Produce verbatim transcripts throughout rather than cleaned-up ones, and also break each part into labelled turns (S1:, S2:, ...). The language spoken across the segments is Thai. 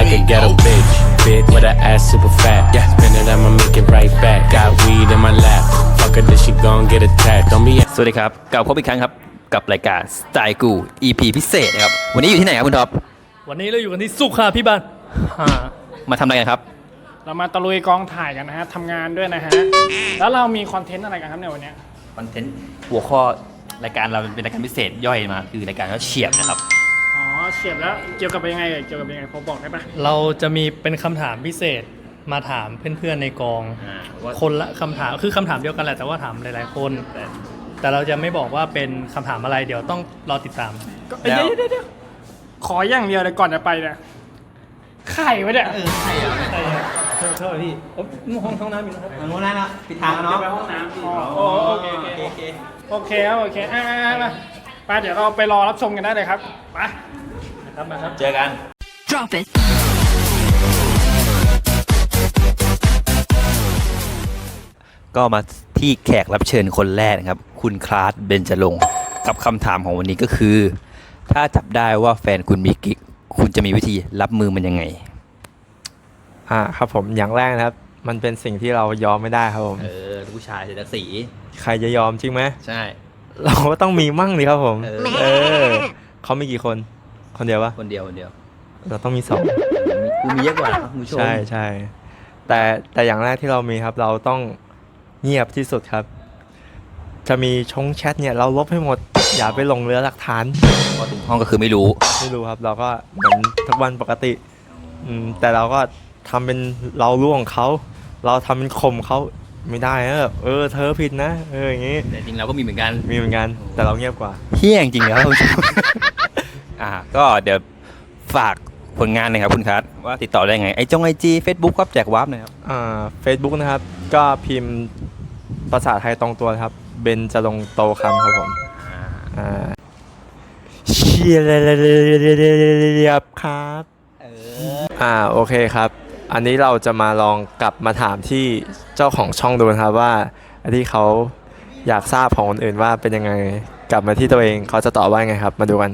S1: like a ghetto bitch, big with her ass super fat. Spin it, I'ma make it right back. Got weed in my lap. Fuck her, then she gon' get attacked. Don't be.
S2: สวัสดีครับกลับพบอีกครั้งครับกับรายการสไตล์กู อี พี พิเศษนะครับวันนี้อยู่ที่ไหนครับคุณท็อป
S3: วันนี้เราอยู่กันที่สุขาพิบาล
S2: มาทำอะไรกันครับ
S3: เรามาตะลุยกองถ่ายกันนะฮะทำงานด้วยนะฮะแล้วเรามีคอนเทนต์อะไรกันครับในวันนี้
S2: คอนเทนต์หัวข้อรายการเราเป็นรายการพิเศษย่อยมาคือรายการว่าเฉียบนะครับ
S3: อ๋อเฉียบแล้วเกี่ยวกับยังไงเกี่ยวกับยังไงพอบอกได้ปะเราจะมีเป็นคำถามพิเศษมาถามเพื่อนๆในกองคนละคำถามคือคำถามเดียวกันแหละแต่ว่าถามหลายๆคนแต่เราจะไม่บอกว่าเป็นคำถามอะไรเดี๋ยวต้องรอติดตามเดี๋ยวเดี๋ยวขออย่างเดียวเลยก่อนจะไปเนี่ยไข่ไว้เนี่ยเออไข่อะไข่อะเท่าเท่าพี่ห้องห้องน้ำอยู่นะครับ
S4: ห้องน้ำนะปิดทางเนาะ
S3: ไปห้องน้ำอ๋อโอเคโอเคโอเคโอเคครับโอเคอ่ามาไปเดี๋ยวเราไปรอรับชมกันได้เลยครับไปนะครับมาครับ
S2: เจอกัน
S5: Drop it
S2: ก็มาที่แขกรับเชิญคนแรกนะครับคุณคลาสเบญจรงค์กับคำถามของวันนี้ก็คือถ้าจับได้ว่าแฟนคุณมีกิ๊กคุณจะมีวิธีรับมือมันยังไง
S4: อ่าครับผมอย่างแรกนะครับมันเป็นสิ่งที่เรายอมไม่ได้ครับผม
S2: เออผู้ชายเสียสี
S4: ใครจะยอมจริงไหม
S2: ใช่
S4: เราก็ต้องมีมั่งดิครับผมเออเขามีกี่คนคนเดียวปะ
S2: คนเดียวคนเดียว
S4: เราต้องมีสอง
S2: กูมีเยอะกว่าครับคุณผู้ชม
S4: ใช่ใช่แต่แต่อย่างแรกที่เรามีครับเราต้องเงียบที่สุดครับจะมีชงแชทเนี่ยเราลบให้หมดอย่าไปลงเรือหลักฐาน
S2: พอถึงห้องก็คือไม่รู้
S4: ไม่รู้ครับเราก็เหมือนทุกวันปกติอืมแต่เราก็ทำเป็นเราล่วงเขาเราทำเป็นข่มเขาไม่ได้เออเออเธอผิดนะเอออย่างงี้
S2: แต่จริงเราก็มีเหมือนกัน
S4: มีเหมือนกันแต่เราเงียบกว่า
S2: เฮี้ยจริงๆแล้วอ่าก็เดี๋ยวฝากผลงานหน่อยครับคุณคัทว่าติดต่อได้ไงไอจงไอจีเฟซบุ๊กครับแจกวาร์ปหน่อยครับ
S4: อ่าเฟซบุ๊กนะครับก็พิมพ์ภาษาไทยตรงตัวครับเบญจรงค์โตคำครับผมอ่าเชียร์ครับอ่าโอเคครับอันนี้เราจะมาลองกลับมาถามที่เจ้าของช่องดูนะครับว่าอันที่เขาอยากทราบของคนอื่นว่าเป็นยังไงกลับมาที่ตัวเองเขาจะตอบว่าไงครับมาดูกัน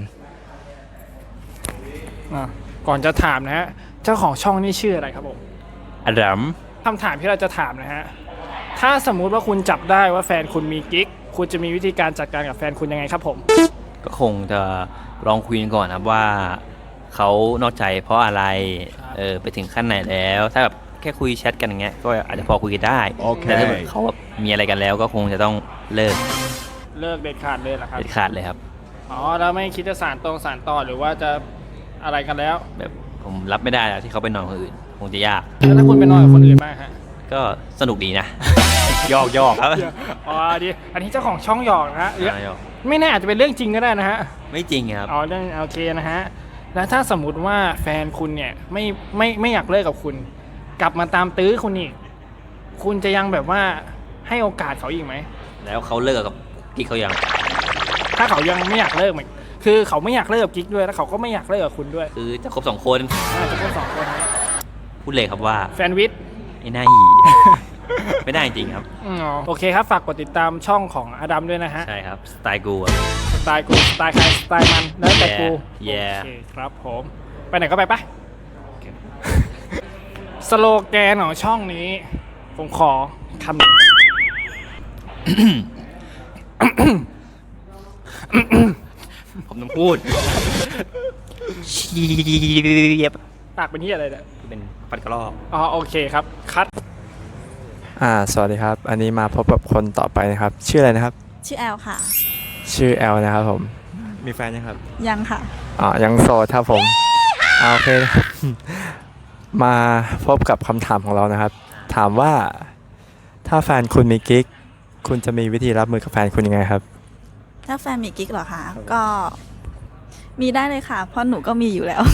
S3: ก่อนจะถามนะฮะเจ้าของช่องนี่ชื่ออะไรครับผม
S2: อดัม
S3: คำถามที่เราจะถามนะฮะถ้าสมมุติว่าคุณจับได้ว่าแฟนคุณมีกิ๊กคุณจะมีวิธีการจัดการกับแฟนคุณยังไงครับผม
S2: ก็คงจะลองคุยกันก่อนครับว่าเขานอกใจเพราะอะไรเออไปถึงขั้นไหนแล้วถ้าแบบแค่คุยแชทกันอย่างเงี้ยก็อาจจะพอคุยกันได้แต่ถ้าเขาแบบมีอะไรกันแล้วก็คงจะต้องเลิก
S3: เลิกเด็ดขาดเลยเหรอครับ
S2: เด็ดขาดเลยครับ
S3: อ๋อแล้วไม่คิดจะสานตรงสานต่อหรือว่าจะอะไรกันแล้ว
S2: แบบผมรับไม่ได้แล้วที่เขาไปนอนคนอื่นคงจะยาก
S3: แล้วถ้าคุณไปนอนกับคนอื่นบ้างฮะ
S2: ก็สนุกดีนะยอกยอกครับ
S3: อ๋อดีอันนี้เจ้าของช่องหยอกนะฮะไม่แน่อาจจะเป็นเรื่องจริงก็ได้นะฮะ
S2: ไม่จริงครับ
S3: อ๋อเรื่องโอเคนะฮะแล้วถ้าสมมุติว่าแฟนคุณเนี่ยไม่ไม่ไม่อยากเลิกกับคุณกลับมาตามตื้อคุณอีกคุณจะยังแบบว่าให้โอกาสเขาอีกไหม
S2: แล้วเขาเลิกกับกิ๊กเขายัง
S3: ถ้าเขายังไม่อยากเลิกคือเขาไม่อยากเลิกกับกิ๊กด้วยแล้วเขาก็ไม่อยากเลิกกับคุณด้วย
S2: คือจะคบสองคน
S3: จะคบสองคน
S2: พูดเลยครับว่า
S3: แฟนวิทย์
S2: ไอ้หน้าหีไม่ได้จริงครับ
S3: โอเคครับฝากกดติดตามช่องของอดัมด้วยนะฮะ
S2: ใช่ครับสไตล์กู
S3: สไตล์กูสไตล์ใครสไตล์มันแล้วแต่กูโอเคครับผมไปไหนก็ไปปะสโลแกนของช่องนี้ผมขอคำหนึ่ง
S2: ผมต้องพูดเชียบ
S3: ปากเป็นที่อะไรเนี่ย
S2: เป็นปัดกระรอก
S3: อ๋อโอเคครับคัด
S4: อ่าสวัสดีครับอันนี้มาพบกับคนต่อไปนะครับชื่ออะไรนะครับ
S5: ชื่อแอลค่ะ
S4: ชื่อแอลนะครับผมมีแฟนยังครับ
S5: ยังค่ะ
S4: อ๋อยังโสดครับผมโอเคมาพบกับคำถามของเรานะครับถามว่าถ้าแฟนคุณมีกิ๊กคุณจะมีวิธีรับมือกับแฟนคุณยังไงครับ
S5: ถ้าแฟนมีกิ๊กเหรอคะก็มีได้เลยค่ะเพราะหนูก็มีอยู่แล้ว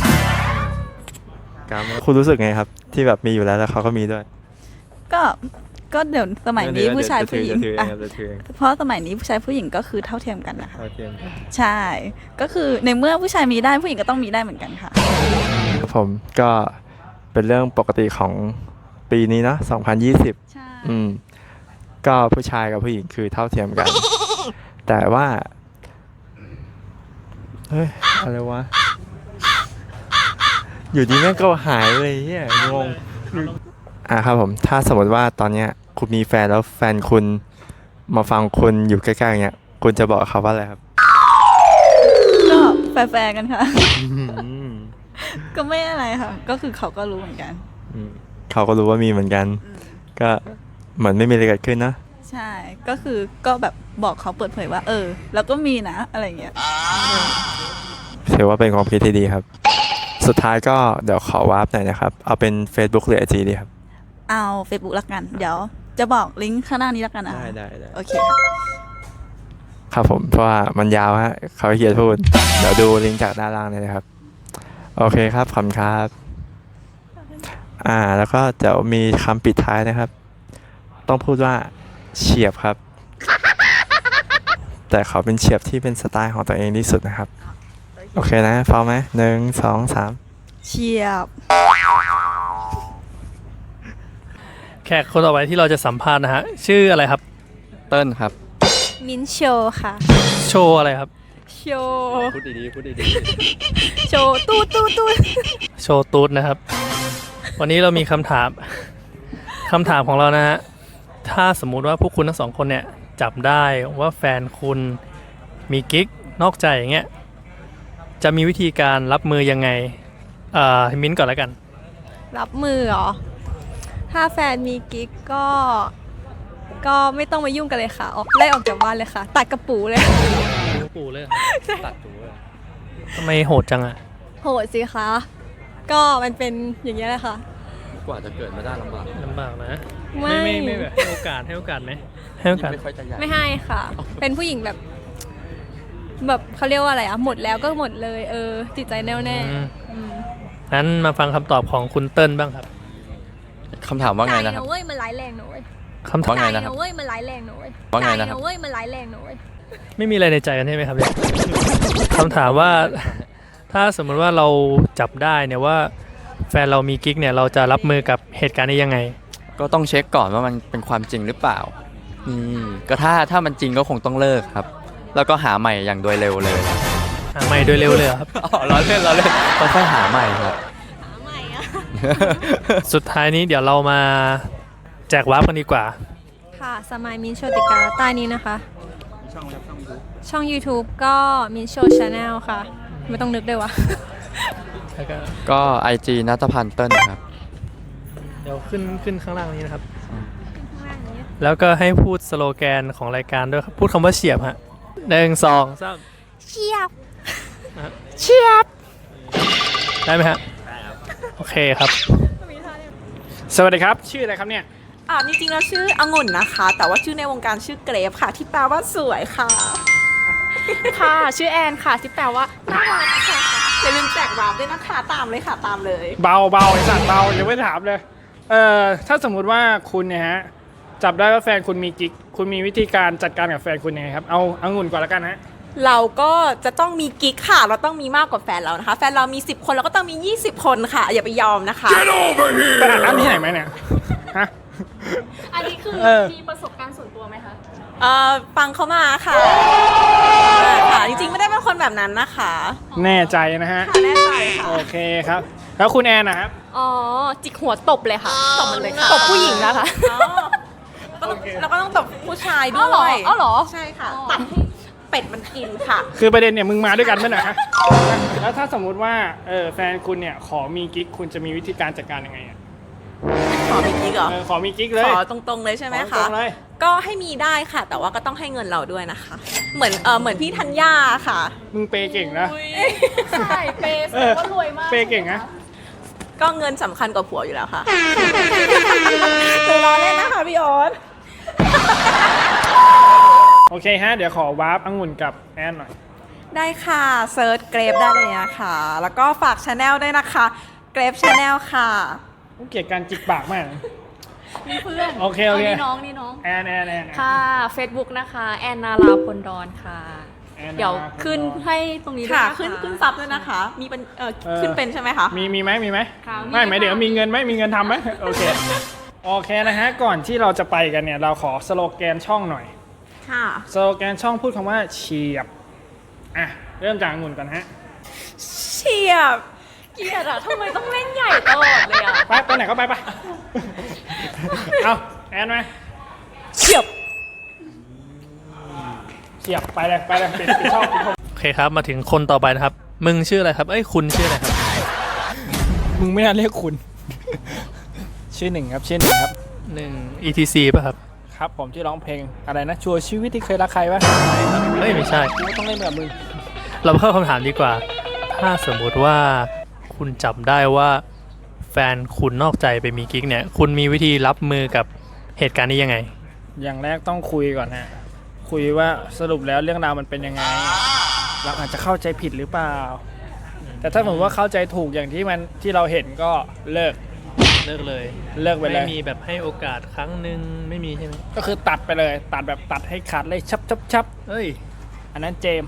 S4: คุณรู้สึกไงครับที่แบบมีอยู่แล้วแล้วเขาก็มีด้วย
S5: ก็ก็เดี๋ยวสมัยนี้ผู้ชายผู้หญิงเพราะสมัยนี้ผู้ชายผู้หญิงก็คือเท่าเทียมกันนะคะใช่ก็คือในเมื่อผู้ชายมีได้ผู้หญิงก็ต้องมีได้เหมือนกันค่ะ
S4: ครับผมก็เป็นเรื่องปกติของปีนี้เนาะสองพันยี่สิบ
S5: ใช่
S4: อืมก็ผู้ชายกับผู้หญิงคือเท่าเทียมกันแต่ว่าเฮ้ยอะไรวะอยู่ดีแม่งก็หายเลยเฮียงงอ่ะครับผมถ้าสมมติว่าตอนเนี้ยคุณมีแฟนแล้วแฟนคุณมาฟังคุณอยู่ใกล้ๆเงี้ยคุณจะบอกเขาว่าอะไรครับ
S5: ก็แฟร์ๆกันค่ะ ก็ไม่อะไรค่ะ ก็คือเขาก็รู้เหมือนกัน
S4: อืมเขาก็รู้ว่ามีเหมือนกัน ก็เหมือนไม่มีอะไรเกิดขึ้นนะ
S5: ใช่ ก็คือก็แบบบอกเขาเปิดเผยว่า เออ แล้วก็มีนะอะไรเงี้ย
S4: ถือว่าเป็นความคิดที่ดีครับ สุดท้ายก็เดี๋ยวขอวาร์ปหน่อยนะครับ เอาเป็น Facebook หรือ ไอ จี ดีครับ
S5: เอา Facebook ละกัน เดี๋ยวจะบอกลิงก์ข้างหน้านี้ละกันนะ
S4: ได้ได้ได้
S5: โอเคค่ะ
S4: ครับผมเพราะว่ามันยาวฮะเขาเขียนพูด เดี๋ยวดูลิงก์จากด้านล่างเลยนะครับ โอเคครับขอบคุณครับ อ่าแล้วก็เดี๋ยวมีคำปิดท้ายนะครับ ต้องพูดว่าเฉียบครับ แต่เขาเป็นเฉียบที่เป็นสไตล์ของตัวเองที่สุดนะครับ โอเคนะพร้อมไหมหนึ่งสองสาม
S5: เชียบ
S3: แขกคนต่อไปที่เราจะสัมภาษณ์นะฮะ ชื่ออะไรครับ
S4: เติ้ลครับ
S6: มิ้นท์โชว์ค่ะ
S3: โชว์อะไรครับ
S6: โชว์
S4: พูดดีๆพูดดี
S6: โชว์ตู้ตู้ตู้
S3: โชว์ตูดนะครับ วันนี้เรามีคำถาม คำถามของเรานะฮะ ถ้าสมมุติว่าพวกคุณทั้งสองคนเนี่ยจับได้ว่าแฟนคุณมีกิ๊กนอกใจอย่างเงี้ย จะมีวิธีการรับมือยังไงเอ่อมิ้นท์ก่อนแล้วกัน
S6: รับมือเหรอ ถ้าแฟนมีกิ๊กก็ ก็ไม่ต้องมายุ่งกันเลยค่ะ ออกไล่ออกจากบ้านเลยค่ะ ตัดกระปูเลย
S3: ปู่เลยตัดตัวทำไมโหดจังอะ
S6: โหดสิคะ ก็มันเป็นอย่างนี้ยแหละค่ะ
S4: ๆกว่าจะเกิดมาได้ลำบาก
S3: ลำบากนะ
S6: ไม่
S3: ไม่ไม่ไม่แบบให้โอกาสให้โอกาสไหมให้โอกาส
S4: ไม่ค่อยจะใหญ่
S6: ไม่ให้ค่ะ เป็นผู้หญิงแบบ แบบเขาเรียกว่าอะไรอะหมดแล้วก็หมดเลย เออ จิตใจแน่วแน่
S3: อืม
S6: อืม
S3: งั้นมาฟังคำตอบของคุณเติ้ลบ้างครับ
S4: คำถามว่าไงนะครับ
S6: ใจเว้ยมันร้ายแรงนะเว้ย
S3: คำถาม
S4: ว่าไงนะครับ
S6: ใจเว้ยมันร้ายแรงนะเว้ย
S4: ว่าไงนะครับ
S6: ใจเว้ยมันร้ายแรงนะเว้ย
S3: ไม่มีอะไรในใจกันใช่ไหมครับเนี่ย คำถามว่าถ้าสมมติว่าเราจับได้เนี่ยว่าแฟนเรามีกิ๊กเนี่ยเราจะรับมือกับเหตุการณ์นี้ยังไง
S7: ก็ต้องเช็คก่อนว่ามันเป็นความจริงหรือเปล่านี่ก็ถ้าถ้ามันจริงก็คงต้องเลิกครับ แล้วก็หาใหม่อย่างโดยเร็วเลย
S3: หาใหม่โดยเร็วเลยเหรอครับ
S7: อ๋อล้อเล่นล้อเล่นค่อยๆหาใหม่ครับ
S3: สุดท้ายนี้เดี๋ยวเรามาแจกวาร์ปกันดีกว่า
S6: ค่ะ สมัยมินโชติกาใต้นี้นะคะ ช่องช่อง YouTube ก็มินโชชาแนลค่ะ ไม่ต้องนึกด้วยวะ
S3: แล้วก็
S7: ก็ ไอ จี นัทพันธ์เติ้ลครับ
S3: เดี๋ยวขึ้นขึ้นข้างล่างนี้นะครับ แล้วก็ให้พูดสโลแกนของรายการด้วยครับ พูดคำว่าเฉียบฮะหนึ่งสองสาม
S6: เชียบ
S3: เฉียบ ได้ไหมฮะ ได้ครับ โอเคครับ
S8: สวัสดีครับ ชื่ออะไรครับเนี่ย
S9: อ่าจริงๆแล้วชื่อองุ่นนะคะ แต่ว่าชื่อในวงการชื่อเกรฟค่ะ ที่แปลว่าสวยค่ะ ค่ะ ชื่อแอนค่ะ ที่แปลว่าน่ารักค่ะอย่าลืมแจกวาร์ปด้วยนะคะ ตามเลยค่ะ ตามเลย
S8: เบาเบาไอ้สัตว์เบาอย่าไปถามเลย เอ่อถ้าสมมุติว่าคุณเนี่ยฮะจับได้ว่าแฟนคุณมีกิ๊กคุณมีวิธีการจัดการกับแฟนคุณยังไงครับเอาองุ่นก่อนแล้วกันฮะ
S9: เราก็จะต้องมีกิ๊กค่ะ เราต้องมีมากกว่าแฟนเรานะคะ แฟนเรามีสิบคนเราก็ต้องมียี่สิบคนค่ะ อย่าไปยอมนะคะ
S8: ไปอ่านน้ำที่ไหนไหมเนี่ยฮะ
S6: อันนี้คือ
S8: เออ
S6: มีประสบการณ์ส่วนตัวไหมคะ
S9: เอ่อฟังเขามาค่ะค่ะ จริงๆไม่ได้เป็นคนแบบนั้นนะคะ
S8: แน่ใจนะฮะ
S9: ค่ะแน่ใจค่ะ
S8: โอเคครับ แล้วคุณแอนนะครับ
S6: อ๋อ จิกหัวตบเลยค่ะ
S9: ตบมันเลยค่ะ
S6: ตบผู้หญิงนะคะ
S9: อ๋อต้องแล้วก็ต้องตบผู้ชายด้
S6: อ๋อเหรอ
S9: วย
S6: อ๋อเหรอ
S9: ใช่ค่ะ ตัดให้เป็ดมันกินค่ะ
S8: คือประเด็นเนี่ยมึงมาด้วยกันไหมนะฮะแล้วถ้าสมมุติว่าเออแฟนคุณเนี่ยขอมีกิ๊กคุณจะมีวิธีการจัดการยังไงอ่ะ
S9: ขอมีกิ๊กเหรอ
S8: เออขอมีกิ๊กเลย
S9: ขอตรงๆเลยใช่ไหม
S8: ขอตร
S9: คะ
S8: งเลย
S9: ก็ให้มีได้ค่ะ แต่ว่าก็ต้องให้เงินเราด้วยนะคะ เหมือนเออเหมือนพี่ธัญญาค่ะ
S8: มึงเปย์เก่งนะ
S6: ใช่เปย์แส
S8: เอ
S6: ด
S8: อง
S6: ว่ารวยมาก
S8: เปย์เก่งนะ
S9: ก็เงินสำคัญกว่าผัวอยู่แล้วค่ะตัวล้อเล่นนะคะพี่โอ๊ต
S8: โอเคฮะเดี๋ยวขอวาร์ปองุ่นกับแอนหน่อย
S9: ได้ค่ะเซิร์ชเกรฟได้เลยนะคะ แล้วก็ฝากชาแนลด้วยนะคะเกรฟชาแนลค่ะ
S8: กูเกลียดการจิกปากมาก
S6: มีเพื่อน
S8: โอเคโอเค
S6: นี่น้องนี่น้อง
S8: แอนแอนแอน
S6: ค่ะ Facebook นะคะ แอนนาราพลดอนค่ะ
S8: แอน
S6: เดี๋ยว
S8: นาราพลดอน
S6: ขึ้นให้ตรงนี้ด้วย
S9: ค่ะ
S6: นะคะ
S9: ขึ้นขึ้นซับด้วยนะคะ มีเป็นเออ
S8: เออ
S9: ขึ้นเป็นใช่ไหมคะ
S8: มีมีไหมมีไหม
S6: ค่ะมี
S8: ไม่ไหม
S6: ค่ะ
S8: เดี๋ยวมีเงินไหมมีเงินทำไหมโอเคโอเคนะฮะก่อนที่เราจะไปกันเนี่ยเราขอสโลแกนช่องหน่อย
S9: ค่ะ
S8: สโลแกนช่องพูดคำว่าเฉียบอ่ะเริ่มจากองุ่นก่อนฮะ
S9: เฉียบเกลียดอะทำไมต้องเล่นใหญ่ตลอดเลยอะ
S8: ไปไปไหนก็ไปไป เอาแอนไหมเฉียบเฉียบไปเลยไปเลยปิดปิดช่องปิดช่อง
S3: โอเคครับมาถึงคนต่อไปนะครับ มึงชื่ออะไรครับเอ้ยคุณชื่ออะไรครับ
S8: มึงไม่น่าเรียกคุณ ชื่อหนึ่งครับชื่อหนึ่งครับ
S3: หนึ่ง อี ที ซี ป่ะครับ
S8: ครับผมที่ร้องเพลงอะไรนะชัวร์ชีวิตที่เคยรักใครวะ
S3: เฮ้ยไม่ใช่
S8: กูต้องเล่นแบบมึง
S3: เราเข้าคำถามดีกว่า ถ้าสมมุติว่าคุณจับได้ว่าแฟนคุณนอกใจไปมีกิ๊กเนี่ย คุณมีวิธีรับมือกับเหตุการณ์นี้ยังไง
S8: อย่างแรกต้องคุยก่อนฮะคุยว่าสรุปแล้วเรื่องราวมันเป็นยังไงเราอาจจะเข้าใจผิดหรือเปล่า แต่ถ้าสมมติว่าเข้าใจถูกอย่างที่มันที่เราเห็นก็เลิก
S3: เลิกเลย
S8: เลิกไปเลย
S3: ไม่มีแบบให้โอกาสครั้งหนึ่งไม่มีใช่ไหม
S8: ก็คือตัดไปเลยตัดแบบตัดให้ขาดเลยชับชับชับ
S3: เอ้ย
S8: อันนั้นเจมส์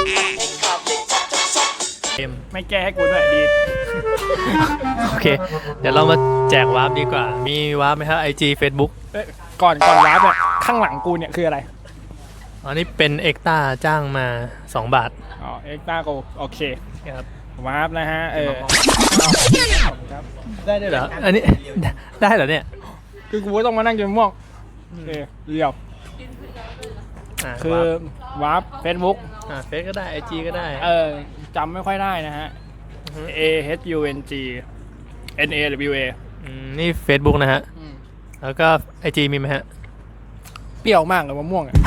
S3: เอ็ม
S8: ไม่แก้ให้กูด้วยดี
S3: โอเค เดี๋ยวเรามาแจกวาร์ปดีกว่า มีวาร์ปไหมครับ ไอ จี Facebook
S8: เอ้ยก่อนก่อนวาร์ปเนี่ยข้างหลังกูเนี่ยคืออะไร
S3: อันนี้เป็นเอ็กต้าจ้างมาสองบาท
S8: อ๋อเอ็กซ์ต้าโกโอเค
S3: ครับ
S8: วาร์ปนะฮะเออครับ
S3: ได้ด้วยเหรอ อันนี้ ได้เหรอเนี่ย
S8: คือกูต้องมานั่งจนม่วงโอเคเรียบ
S3: อ่า
S8: คือ
S3: วาร์ป
S8: วาร์ปเฟซบุ๊ก
S3: อ่าเฟซก็ได้ ไอ จี ก็ได้
S8: เออจำไม่ค่อยได้นะฮะ A H U N G N A W A
S3: อืมนี่ Facebook นะฮะ แล้วก็ ไอ จี มีไหมฮะ
S8: เปรี้ยวมากเลยมะม่วงอ่ะ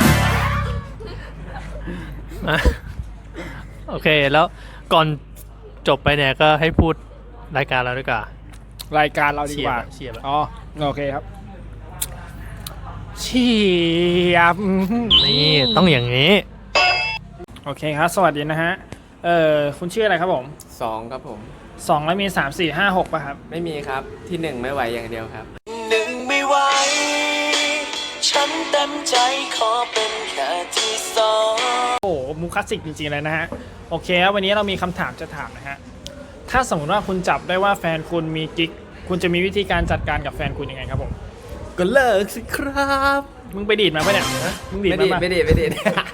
S3: อ่ะโอเค แล้วก่อนจบไปเนี่ยก็ให้พูดรายการเราด้วยกว่าร
S8: ายการเราดีกว่า
S3: เชียร์แบบ
S8: อ๋อโอเคครับเชียบ
S3: นี่ต้องอย่างนี้
S8: โอเคครับ สวัสดีนะฮะ เอ่อ คุณชื่ออะไรครับผม
S10: สองครับผม
S8: สองแล้วมีสามสี่ห้าหกป่ะครับ
S10: ไม่มีครับที่หนึ่งไม่ไหวอย่างเดียวครับ
S11: หนึ่งไม่ไหวฉันเต็มใจขอเป็นแค่ที่สอง
S8: โอ้โหมูคลาสสิกจริงๆเลยนะฮะ โอเคครับวันนี้เรามีคำถามจะถามนะฮะ ถ้าสมมติว่าคุณจับได้ว่าแฟนคุณมีกิ๊ก คุณจะมีวิธีการจัดการกับแฟนคุณยังไงครับผม
S10: ก็เลิกสิครับ
S8: มึงไปดีดมาปะเนี่ยฮะมึงดีด
S10: ไม่
S8: มา
S10: ดี
S8: ปะ
S10: ไม่ดีไม่ดี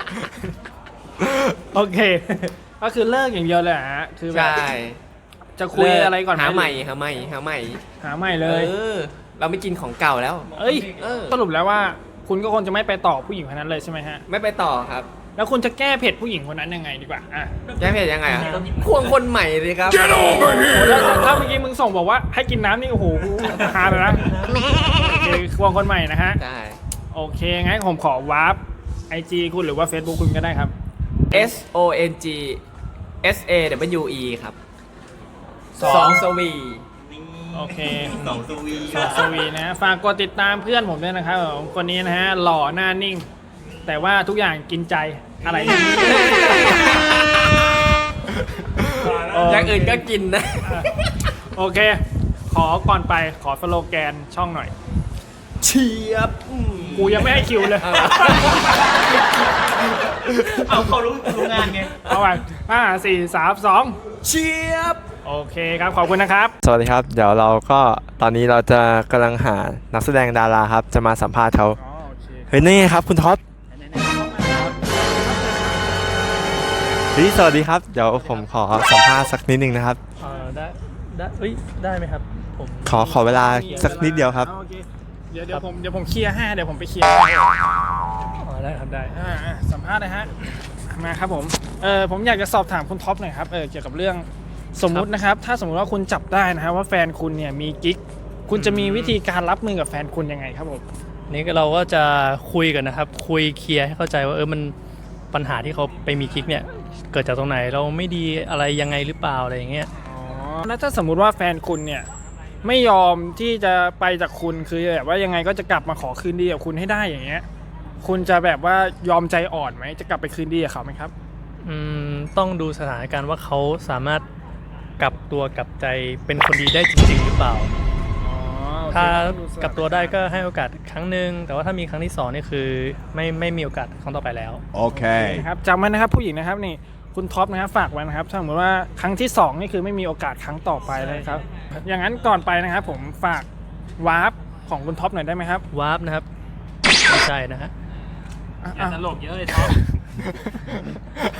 S8: โอเค ก็คือเลิกอย่างเดียวเลยเหรอฮะ คือแบบ
S10: ใช่
S8: จะคุยอะไรก่อนไ
S10: หาใหม่หาใหม่หาใหม่
S8: หาใหม่เล
S10: เอย อเราไม่กินของเก่าแล้ว
S8: เอ้ย
S10: เออ
S8: สรุปแล้วว่าคุณก็คงจะไม่ไปต่อผู้หญิงคนนั้นเลยใช่ไหมฮะ
S10: ไม่ไปต่อครับ
S8: แล้วคุณจะแก้เผ็ดผู้หญิงคนนั้นยังไงดีกว่า อ่ะ
S10: แก้เผ็ดยังไงอ่ะควงคนใหม่เลยครับ
S8: โอ้โหถ้าถ้าเมื่อกี้มึงส่งบอกว่าให้กินน้ำนี่โอ้โหฮาเลยนะโอเคควงคนใหม่นะฮะ
S10: ใช่
S8: โอเคงั้นผมขอวาร์ปไอจีคุณหรือว่า Facebook คุณก็ได้ครับ
S10: S O N G S A W E ครับ
S8: สอง
S10: สองสวี
S8: โอเคสองสวีสองสวีนะฝากกดติดตามเพื่อนผมด้วยนะครับผมคนนี้นะฮะหล่อหน้านิ่ง แต่ว่าทุกอย่างกินใจอะไรอย่างนี้
S10: อย่างอื่นก็กินนะ
S8: โอเค ขอก่อนไปขอสโลแกนช่องหน่อย
S10: เชียบ
S8: กูยังไม่ให้คิวเลย
S3: เอาเขารู้รู้งานไง
S8: เอาไปห้าสี่สามสอง
S10: เชียบ
S8: โอเคครับ ขอบคุณนะครับ
S4: สวัสดีครับ เดี๋ยวเราก็ตอนนี้เราจะกำลังหานักแสดงดาราครับ จะมาสัมภาษณ์เขา
S8: อ๋อโอเค
S4: เฮ้ยนี่ไงครับคุณท็อปเฮ้ยสวัสดีครับ เดี๋ยวผมขอสัมภาษณ์สักนิดนึงนะครับ
S3: เออได้ได้เอ้ยได้ไหมครับ ผม
S4: ขอขอเวลาสักนิดเดียวครับ
S8: โอเคเดี๋ยวเดี๋ยวผมเดี๋ยวผมเคลียร์ให้เดี๋ยวผมไปเคลียร์ให้
S3: อ๋อได้ครับได้
S8: อ่าอ่าสัมภาษณ์เลยฮะมาครับผมเออผมอยากจะสอบถามคุณท็อปหน่อยครับเออเกี่ยวกับเรื่องสมมุตินะครับ ถ้าสมมุติว่าคุณจับได้นะฮะว่าแฟนคุณเนี่ยมีกิ๊กคุณจะมีวิธีการรับมือกับแฟนคุณยังไงครับผม
S3: นี่ก็เราก็จะคุยกันนะครับ คุยเคลียร์ให้เข้าใจว่าเออมันปัญหาที่เขาไปมีกิ๊กเนี่ยเกิดจากตรงไหนเราไม่ดีอะไรยังไงหรือเปล่าอะไรอย่างเงี้ย
S8: อ๋อแล้วถ้าสมมุติว่าแฟนคุณเนี่ยไม่ยอมที่จะไปจากคุณคือแบบว่ายังไงก็จะกลับมาขอคืนดีกับคุณให้ได้อย่างเงี้ยคุณจะแบบว่ายอมใจอ่อนไหมจะกลับไปคืนดีกับเขาไหมครับ
S3: อืมต้องดูสถานการณ์ว่าเขาสามารถกลับตัวกลับใจเป็นคนดีได้จริงๆหรือเปล่า
S8: อ๋อโอเค
S3: ถ้า
S8: ต้องดูสถาน
S3: กลับตัวได้ก็ให้โอกาสครั้งหนึ่งแต่ว่าถ้ามีครั้งที่สองนี่คือไม่ไม่มีโอกาสครั้งต่อไปแล้ว
S8: โอเคครับจำไว้นะครับผู้หญิงนะครับนี่คุณท็อปนะครับฝากไว้นะครับถ้าสมมติว่าครั้งที่สองนี่คือไม่มีโอกาสครั้งต่อไปเลยครับ อย่างนั้นก่อนไปนะครับผมฝากวาร์ปของคุณท็อปหน่อยได้ไหมครับ
S3: วาร์ปนะครับไม่ใช่นะฮะ
S8: อย่าตลกเยอะเลยท็อป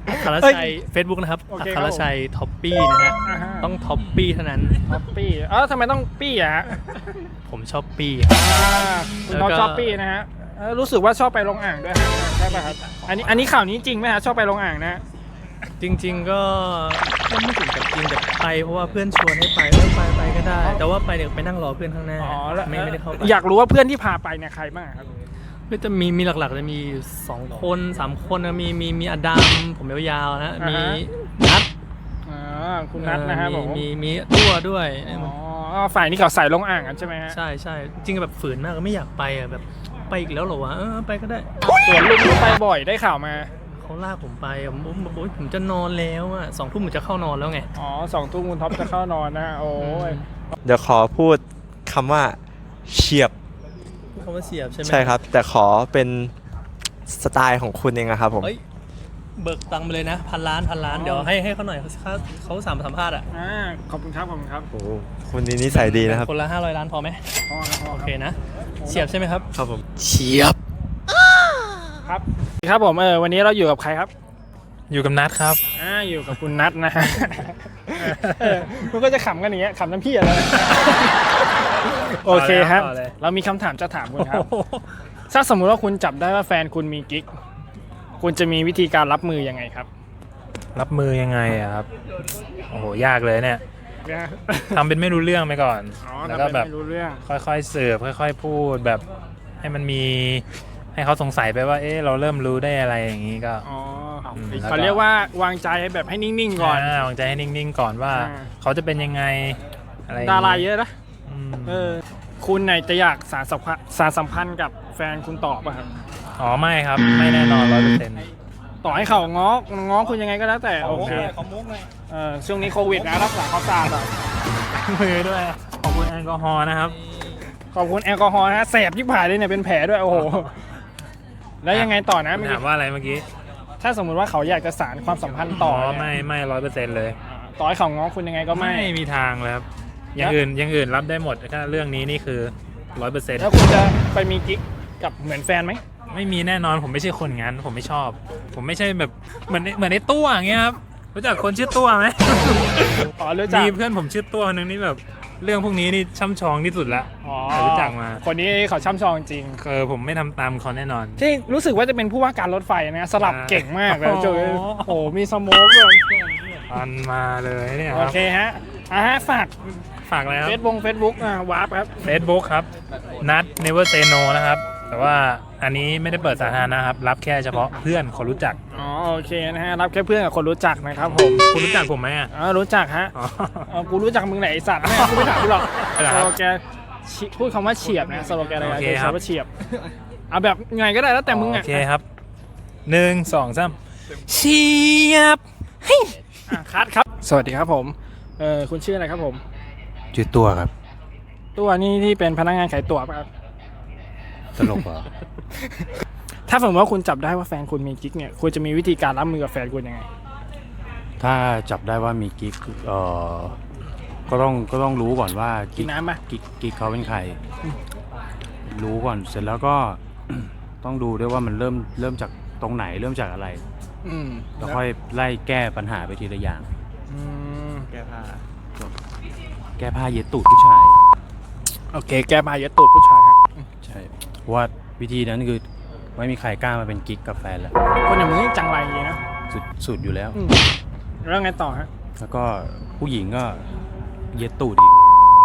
S3: อัครชัย Facebook นะครับ
S8: โอ
S3: อั
S8: เค
S3: ค
S8: ครับ
S3: ร
S8: ผม
S3: ชัยท็อปปี้นะฮะ
S8: อ่าฮะ
S3: ต้องท็อปปี้เท่านั้น
S8: ท็อปปี้เออทำไมต้องปี้อะฮะ
S3: ผมชอบปี้
S8: อ่าคุณ
S3: แล้ว
S8: ท็อป
S3: ก็
S8: ชอบปี้นะฮะเออรู้สึกว่าชอบไปลงอ่างด้วยฮะใช่ป่ะครับอันนี้อันนี้ข่าวนี้จริงไหมฮะชอบไปลงอ่างนะ
S3: จริง ๆ ก็ก็ไม่ถึงกับจริงแต่ไปเพราะว่าเพื่อนชวนให้ไปเออไปไปก็ได้ แต่ว่าไปเดี๋ยวไปนั่งรอเพื่อนข้างหน้า
S8: อ๋อแล้ว
S3: ไม่ไม่ได้เข้าไป
S8: อยากรู้ว่าเพื่อนที่พาไปเนี่ยใครบ้างครับ
S3: ก็จะมีมีหลักๆจะมีสองคนสามคนนะมีมีมีอดัมผมยาวๆนะ
S8: อ่า
S3: มี
S8: ฮะ
S3: นัท
S8: อ่าคุณนัทนะฮะ
S3: เอ
S8: ผ
S3: อ
S8: ม
S3: มีมีมีตัวด้วย
S8: อ๋อฝ่ายนี้เขาใส่ลงอ่างกันใช่ไหมฮะ
S3: ใช่ใช่จริงๆแบบฝืนมากไม่อยากไปอ่ะแบบไปอีกแล้วเหรอวะเออไปก็ได้
S8: ส่วนลุงไปบ่อยได้ข่าวมา
S3: เขาลากผมไปอ่ะผมผมผมผมจะนอนแล้วอ่ะสองทุ่มผมจะเข้านอนแล้วไง
S8: อ๋อสองทุ่มคุณท็อปจะเข้านอนนะโอ้ย
S4: เดี๋ยวขอพูดคำว่าเฉียบ
S3: พูดคำว่าเสียบใช่ไหม
S4: ใช่ครับ แต่ขอเป็นสไตล์ของคุณเองอะครับผม
S3: เอ้ยเบิกตังค์ไปเลยนะพันล้านพันล้านเดี๋ยวให้ให้เขาหน่อยเขาเขาเขาสามสัมภาษณ์อ่ะ
S8: อ่าขอบคุณครับขอบคุณครับ
S4: โอ้คุณนี่นิสัยดีนะครับ
S3: คนละห้าร้อยล้านพอไหม
S8: พอครับพอ
S3: โอ
S8: ค
S3: เครับ นะเสียบใช่ไหมครับ
S4: ครับผมเฉียบ
S8: ครับครับผมเออวันนี้เราอยู่กับใครครับ
S3: อยู่กับนัทครับ
S8: อ่าอยู่กับคุณนัทนะฮะเออมันก็จะขำกันอย่างเงี้ยขำน้ำพี่อะไรโอเคครับ
S3: ต่อเลย
S8: เรามีคำถามจะถามคุณครับถ้าสมมุติว่าคุณจับได้ว่าแฟนคุณมีกิ๊กคุณจะมีวิธีการรับมือยังไงครับ
S12: รับมือยังไงอะครับ โอ้โห ยากเลยเนี่ยทำเป็นไม่รู้เรื่องไปก่อน
S8: อ๋อ
S12: แล้ว
S8: ทำ
S12: ก็
S8: เป็น
S12: แบบ
S8: ไม่รู้เรื่อง
S12: ค่อยๆสืบค่อย ๆ พูดแบบให้มันมีให้เขาสงสัยไปว่า เอ๊ะเราเริ่มรู้ได้อะไรอย่างนี้ก็
S8: อ๋อ
S12: อืมแล้วก็
S8: เขาเรียกว่าวางใจแบบให้นิ่งๆก่อน
S12: าวางใจให้นิ่งๆก่อนว่า
S8: อ่า
S12: เขาจะเป็นยังไงอะไรอย่ง
S8: ดา
S12: งี้
S8: ราเยอะนะ
S12: อืม
S8: เออคุณไหนจะอยากสารสัมพันธ์สารสัมพันธ์กับแฟนคุณต่อป่ะครับ
S12: อ๋อไม่ครับไม่แน่นอนร้อยเปอร์เซ็นต์
S8: ต่อให้เขาง้อง้อคุณยังไงก็แล้วแต่โอเค
S12: เขามุกเลย
S8: เออช่วงนี้โควิดนะรักษาความสะอาดอ่ะ
S12: มือด้วยขอบคุณแอลกอฮอล์นะครับ
S8: ขอบคุณแอลกอฮอล์นะแสบที่ผ่ายเลยเนี่ยเป็นแผลด้วยโอ้โหแล้วยังไงต่อนะเมื่อ
S12: ถา
S8: กี้
S12: มว่าอะไรเมื่อกี้
S8: ถ้าสมมุติว่าเขาอยากจะสานความสัมพันธ์ต่อเนี่ย
S12: ไม่ไม่ร้อยเปอร์เซ็นต์เลย
S8: ต่อให้เขาง้อคุณยังไงก็ไม่
S12: ไม่มีทางเลยครับอย่างอื่นอย่างอื่นรับได้หมดถ้าเรื่องนี้นี่คือร้อยเปอร์เซ็นต์
S8: แล้วคุณจะไปมีกิ๊กกับเหมือนแฟนไหม
S12: ไม่มีแน่นอนผมไม่ใช่คนงั้นผมไม่ชอบ ผมไม่ใช่แบบเหมือนเหมือนในตัวอย่างเงี้ยครับรู้จักคนชื่อตัวไหม
S8: อ๋อรู้จัก
S12: มีเพื่อนผมชื่อตัวคนนึงนี่แบบเรื่องพวกนี้นี่ช่ำชองที่สุดละ
S8: อ๋อ
S12: รู้จักมา
S8: คนนี้เขาช่ำชองจริง
S12: เออผมไม่ทำตามเขาแน่นอน
S8: ที่รู้สึกว่าจะเป็นผู้ว่าการรถไฟนะสลับ
S12: อ่า
S8: เก่งมากเลย
S12: โอ้โห
S8: โจยโอ้โหมีสโมกด้วย
S12: อันมาเลยเนี่ยค
S8: โอ
S12: รับ
S8: เคฮะอ่ะฮะฝาก
S12: ฝากอะไรครั
S8: เฟ
S12: บ
S8: ซบุ๊กเฟซบุ๊กอ่ะวาร์ปครับ
S12: Facebook ครับนัด never say no นะครับ แต่ว่าอันนี้ไม่ได้เปิดสาธารณะครับ รับแค่เฉพาะเพื่อนคนรู้จัก
S8: อ๋อโอเคนะฮะรับแค่เพื่อนกับคนรู้จักนะครับผม
S12: คุณรู้จักผมไหมอ่ะ
S8: อ๋อรู้จักฮะ
S12: อ๋อ
S8: เออกูรู้จักมึงไหนไอสัตว์แม่กูไม่ถามกูหรอก
S12: เหรอ
S8: ส
S12: ครับ
S8: โลแกนชิพูดคำว่าเฉียบนะสโลแกนอะไร
S12: โอ
S8: นะ
S12: เค
S8: โดย
S12: ครั
S8: ใช้
S12: บ
S8: ว่าเฉียบเอาแบบไงก็ได้แล้วแต่มึง
S12: โอ
S8: อ่ะ
S12: เคครับหนึ่งสองสามเชียบ
S8: อ่ะคัดครับ สวัสดีครับผมเออคุณชื่ออะไรครับผม
S12: ชื่อตัวครับ
S8: ตัวนี้ที่เป็นพนักงานขายตั๋วป่ะครับ
S12: ตลกเหรอ
S8: ถ้าสมมติว่าคุณจับได้ว่าแฟนคุณมีกิ๊กเนี่ยคุณจะมีวิธีการรับมือกับแฟนคุณยังไง
S13: ถ้าจับได้ว่ามีกิ๊กเอ่อก็ต้องก็ต้องรู้ก่อนว่า
S8: กินน้ำปะ
S13: กิ๊กกิ๊กเขาเป็นใคร รู้ก่อนเสร็จแล้วก็ ต้องดูด้วยว่ามันเริ่มเริ่มจากตรงไหนเริ่มจากอะไร
S8: อืม
S13: แล้วค่อยไล่แก้ปัญหาไปทีละอย่าง
S8: อืม
S4: แก้ผ้า
S13: แก้ผ้าเย็ดตูดผู้ชาย
S8: โอเคแกมาเยอะตูดผู้ชายครับ
S13: ใช่เพราะว่าวิธีนั้นคือไม่มีใครกล้ามาเป็นกิ๊กกับแฟนแล้ว
S8: คนอย่างมึงนี่จังไรอย่างงี้นะ
S13: สุดสุดอยู่แล้ว
S8: อืมแล้วไงต่อฮะ
S13: แล้วก็ผู้หญิงก็เย็ดตูดอีก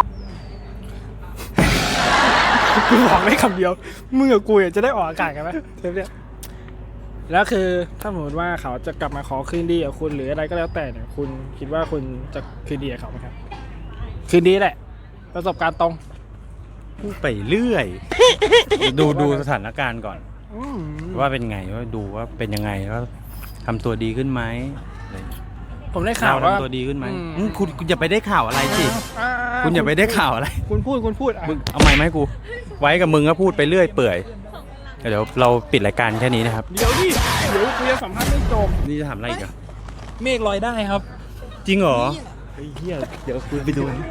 S8: กูบอกได้คำเดียวมึงกับกูอ่ะจะได้ออกอากาศกันไหมเทปเนี้ยแล้วคือถ้าสมมติว่าเขาจะกลับมาขอคืนดีกับคุณหรืออะไรก็แล้วแต่เนี่ยคุณคิดว่าคุณจะคืนดีกับเขาไหมครับคืนดีแหละ ประสบการณ์ตรง
S13: พูดไปเรื่อย ดูดูสถานการณ์ก่อน
S8: อืม
S13: ว่าเป็นไงว่าดูว่าเป็นยังไงว่าทำตัวดีขึ้นไหมอะไรอย่างเงี้ย
S8: ผมได้ข่าว
S13: เรา
S8: ว่า
S13: ทำตัวดีขึ้นไหม
S8: อืม
S13: อืมคุณคุณอย่าไปได้ข่าวอะไรสิ
S8: อ่า
S13: คุณอย่าไปได้ข่าวอะไร
S8: คุณพูดคุณพูดอ่ะ
S13: มึงเอาไม้ไหมาให้กู ไว้กับมึงก็พูดไปเรื่อยเปื่อยเดี๋ยวเราปิดรายการแค่นี้นะครับ
S8: เดี๋ยวดิเดี๋ยวกูจะสัมภาษณ์ไม่จบ
S13: นี่จะถามอะไรอีกอะ
S12: เมฆลอยได้ครับ
S13: จริงเหรอ
S4: เฮ้ยเฮียเดี๋ยวคุณไปดูนะ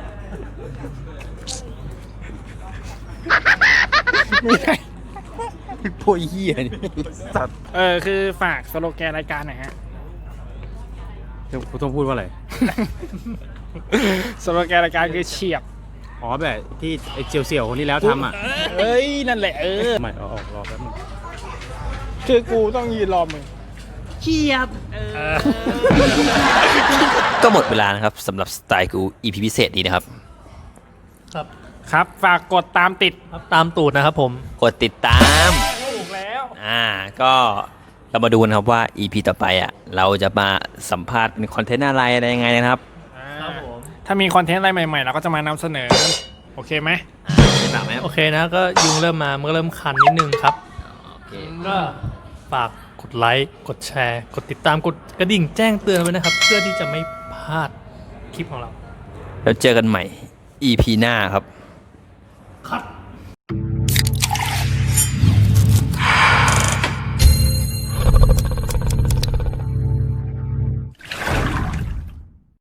S13: พวกเหี้ยนี่สัตว์
S8: เออคือฝากสโลแกนรายการหน่อยฮะ
S13: คุณต้องพูดว่าอะไร
S8: สโลแกนรายการคือเฉียบ
S13: อ๋อแบบที่ไอ้เจียวเสี่ยวคนที่แล้วทำอ่ะ
S8: เอ้ย นั่นแหละเออ
S13: ไม่เอาออกรอแป๊บนึง
S8: คือกูต้องยืนรอมึง
S9: เฉียบ
S2: ก็หมดเวลานะครับสำหรับสไตล์กู อี พี พิเศษนี้นะครับ
S3: ครับ
S8: ครับ ฝากกดตามติด
S3: ครับตามตูดนะครับผม
S2: กดติดตาม
S8: ถูกแล้ว
S2: อ่าก็เรามาดูนะครับว่า อี พี ต่อไปอ่ะเราจะมาสัมภาษณ์เป็นคอนเทนต์อะไรอะไรยังไงนะครับ
S8: ถ้ามีคอนเทนต์อะไรใหม่ๆ เราก็จะมานำเสนอ โอเคไหม
S3: โอเคนะก็ยุงเริ่มมามันก็เริ่มคันนิดนึงครับก็ฝากกดไลค์กดแชร์ กดติดตามกดกระดิ่งแจ้งเตือนไว้นะครับ เพื่อที่จะไม่พลาดคลิปของเรา
S2: แล้วเจอกันใหม่ อี พี หน้าครับ
S3: คัด